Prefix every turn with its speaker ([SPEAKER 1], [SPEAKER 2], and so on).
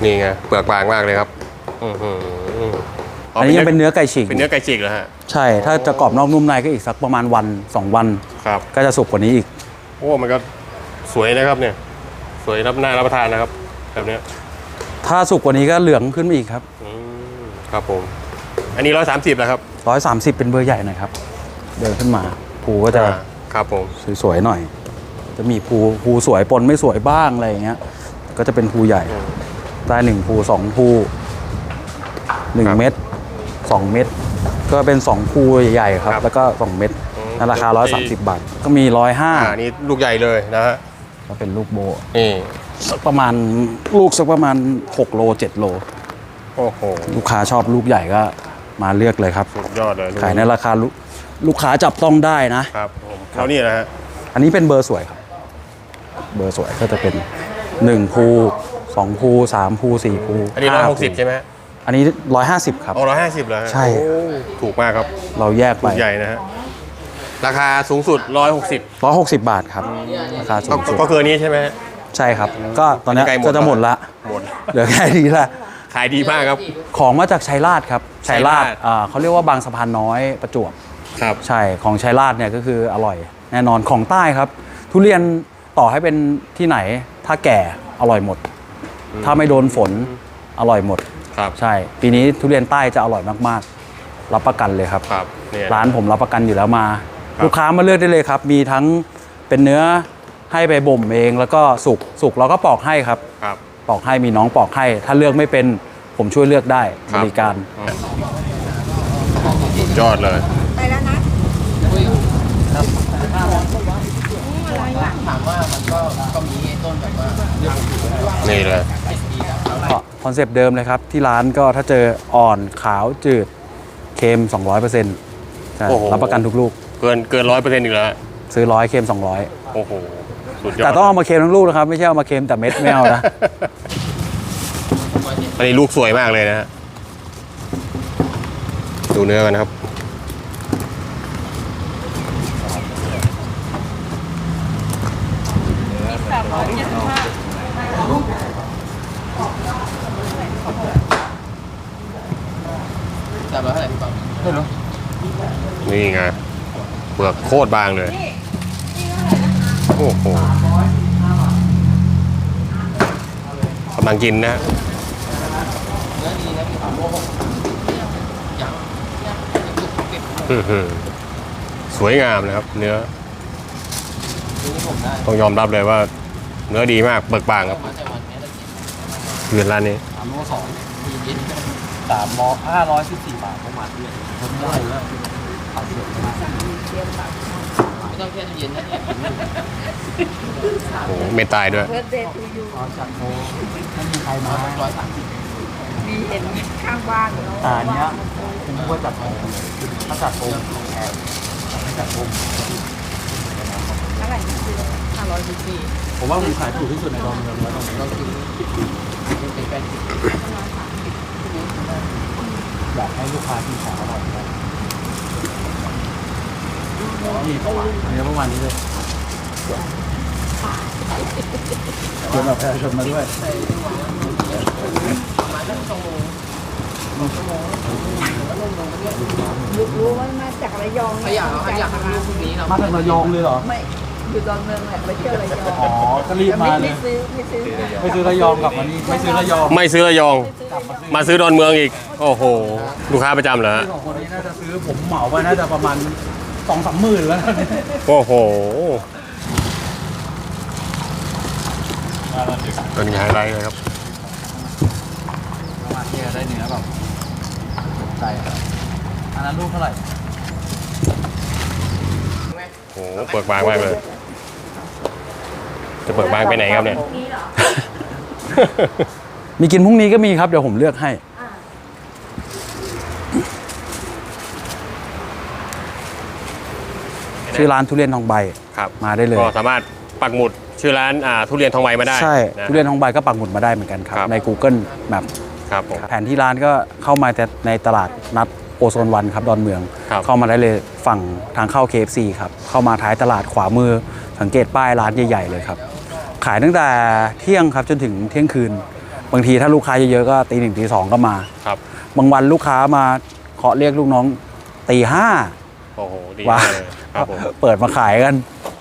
[SPEAKER 1] นี่ไงเปลือกบางมากเลยครับ
[SPEAKER 2] อันนี้ยังเป็นเนื้อไก่ฉีก
[SPEAKER 1] เป็นเนื้อไก่ฉีกเหรอฮะ
[SPEAKER 2] ใช่ถ้าจะกรอบนอกนุ่มในก็อีกสักประมาณวัน2 วัน
[SPEAKER 1] ครับ
[SPEAKER 2] ก็จะสุกกว่านี้อีก
[SPEAKER 1] โอ้มันก็สวยนะครับเนี่ยสวยน่ารับประทานนะครับแบบนี้
[SPEAKER 2] ถ้าสุกกว่านี้ก็เหลืองขึ้นมาอีกครับ
[SPEAKER 1] ครับผมอันนี้130แล้วครับ
[SPEAKER 2] 130เป็นเบอร์ใหญ่หน่อยครับเดินขึ้นมาภูก็จะ
[SPEAKER 1] ครับผม
[SPEAKER 2] สวยๆหน่อยจะมีภูสวยปนไม่สวยบ้างอะไรอย่างเงี้ยก็จะเป็นภูใหญ่ได้1ภู2ภู1 เม็ด2 เม็ดก็เป็น2ภูใหญ่ๆครับแล้วก็2 เม็ดราคา130 บาทก็มี150
[SPEAKER 1] นี่ลูกใหญ่เลยนะฮะ
[SPEAKER 2] ก็เป็นลูกโบ
[SPEAKER 1] นี่
[SPEAKER 2] สักประมาณ6 โล 7 โล
[SPEAKER 1] โอ้โห
[SPEAKER 2] ลูกค้าชอบลูกใหญ่ก็มาเลือกเลยครับ
[SPEAKER 1] สุดยอดเลย
[SPEAKER 2] ขายในราคาลูกค้าจับต้องได้นะครับ
[SPEAKER 1] ผมแล้วนี่นะฮะ
[SPEAKER 2] อันนี้เป็นเบอร์สวยครับเบอร์สวยก็จะเป็น1ภู2ภู3ภู4ภู
[SPEAKER 1] อันนี้160ใช่ไหม
[SPEAKER 2] อันนี้150ครับ
[SPEAKER 1] 150เลย
[SPEAKER 2] ใช่
[SPEAKER 1] ถูกมากครับ
[SPEAKER 2] เราแยกไป
[SPEAKER 1] ใหญ่นะฮะราคาสูงสุด
[SPEAKER 2] 160 บาทครับราคาสูงสุด
[SPEAKER 1] ก็คือนี้ใช่ไหม
[SPEAKER 2] ใช่ครับก็ตอนนี้ก็จะหมดละเหลือแค่นี้ละ
[SPEAKER 1] ขายดีมากครับ
[SPEAKER 2] ของมาจากชัยราชครับชัยราชเขาเรียกว่าบางสะพานน้อยประจวบ
[SPEAKER 1] ครับ
[SPEAKER 2] ใช่ของชัยราชเนี่ยก็คืออร่อยแน่นอนของใต้ครับทุเรียนต่อให้เป็นที่ไหนถ้าแก่อร่อยหมดถ้าไม่โดนฝนอร่อยหมด
[SPEAKER 1] ครับ
[SPEAKER 2] ใช่ปีนี้ทุเรียนใต้จะอร่อยมากๆรับประกันเลยครับร้านผมรับประกันอยู่แล้วมาลูกค้ามาเลือกได้เลยครับมีทั้งเป็นเนื้อให้ไปบ่มเองแล้วก็สุกเราก็ปอกให้ครับปอกให้มีน้องปอกให้ถ้าเลือกไม่เป็นผมช่วยเลือกได้บริการ
[SPEAKER 1] ยอดเลย
[SPEAKER 3] ไปแล้วนะ
[SPEAKER 4] ถามว่ามันก็มีต้นแบบว่า
[SPEAKER 1] นี่เลย
[SPEAKER 2] คอนเซปต์เดิมเลยครับที่ร้านก็ถ้าเจออ่อนขาวจืดเค็ม 200%ใช่รับประกันทุกลูก
[SPEAKER 1] เกิน100%อีกแล้ว
[SPEAKER 2] ซื้อ100เค็ม200
[SPEAKER 1] โอ้โหสุดยอด
[SPEAKER 2] แต่ต้องเอามาเค็มทั้งลูกนะครับไม่ใช่เอามาเค็มแต่เม็ดไม่เอานะ
[SPEAKER 1] อันนี้ลูกสวยมากเลยนะฮะดูเนื้อกันนะครับนี่ไงเปลือกโคตรบางเลยโอ้โหกำลังกินนะสวยงามนะครับเนื้อต้องยอมรับเลยว่าเนื้อดีมากเบิกบางครับเงินร้านนี้
[SPEAKER 4] 3 โล 2มีเย็น3 โล 514 บาทประมาณนี้ผมได้แล้วไม่ต้องแค่เย็นนะ
[SPEAKER 1] โอ้ไม่ตายด้วย
[SPEAKER 4] จากโมไม่มีใครมา
[SPEAKER 3] มีเห็นข้างบ้าน
[SPEAKER 4] อันนี้ผมว่าจัดโมถ้าจัดโมแพงไม่จัดโม
[SPEAKER 3] เท่าไหร่514
[SPEAKER 4] ผมว่าผมขายถูกที่สุดในดอนเมืองแล้วต้องกินเป็นแฟนอยากให้ลูกค้าที่ขายอร่อยนี่ประมาณนี้ประมาณนี้เลยชวนแบบประชาชนมาด้วย
[SPEAKER 3] รู้ว่ามาจากระยอง
[SPEAKER 4] อยากทำลูกพวกนี้เรามาจากระยองเลยเหรอ
[SPEAKER 3] ไม่อยู่ดอนเมืองแหละไปเที่ยวระยอง
[SPEAKER 4] อ๋อก็รีบมาเลยไม่ซื้อระยองกลับมานี่ไม่ซื้อระยอง
[SPEAKER 1] มาซื้อดอนเมืองอีกโอ้โหลูกค้าประจำเหรอ
[SPEAKER 4] สองคนนี้น่าจะซื้อผมเหมาไว้น่าจะประมาณ2-3 หมื่นแล้ว
[SPEAKER 1] โอ้โหเป็นไงไรเลยครับ
[SPEAKER 4] ประมาณนี้ได้เนื้อแบบใจอันนั้นลูกเท่าไหร่
[SPEAKER 1] โอ้เปิดบางมากเลยจะเปิดบางไปไหนครับเนี่ย
[SPEAKER 2] มีกินพรุ่งนี้ก็มีครับเดี๋ยวผมเลือกให้ชื่อร้านทุเรียนทองใบ
[SPEAKER 1] ครับ
[SPEAKER 2] มาได้เลย
[SPEAKER 1] ก็สามารถปักหมุดชื่อร้านทุเรียนทองใบมาได้
[SPEAKER 2] ใช่ทุเรียนทองใบก็ปักหมุดมาได้เหมือนกันครับใน Google Map
[SPEAKER 1] ครับผม
[SPEAKER 2] แผนที่ร้านก็เข้ามาในตลาดนัดโอโซนวันครับดอนเมืองเข้ามาได้เลยฝั่งทางเข้า KFC ครับเข้ามาท้ายตลาดขวามือสังเกตป้ายร้านใหญ่ๆเลยครับขายตั้งแต่เที่ยงครับจนถึงเที่ยงคืนบางทีถ้าลูกค้าเยอะๆก็ตี 1ตี 2ก็มา
[SPEAKER 1] ครับ
[SPEAKER 2] บางวันลูกค้ามาเคาะเรียกลูกน้องตี 5
[SPEAKER 1] โอ้โหดี
[SPEAKER 2] ว่าม
[SPEAKER 1] ากเลยครับผม
[SPEAKER 2] เปิดมาขายกัน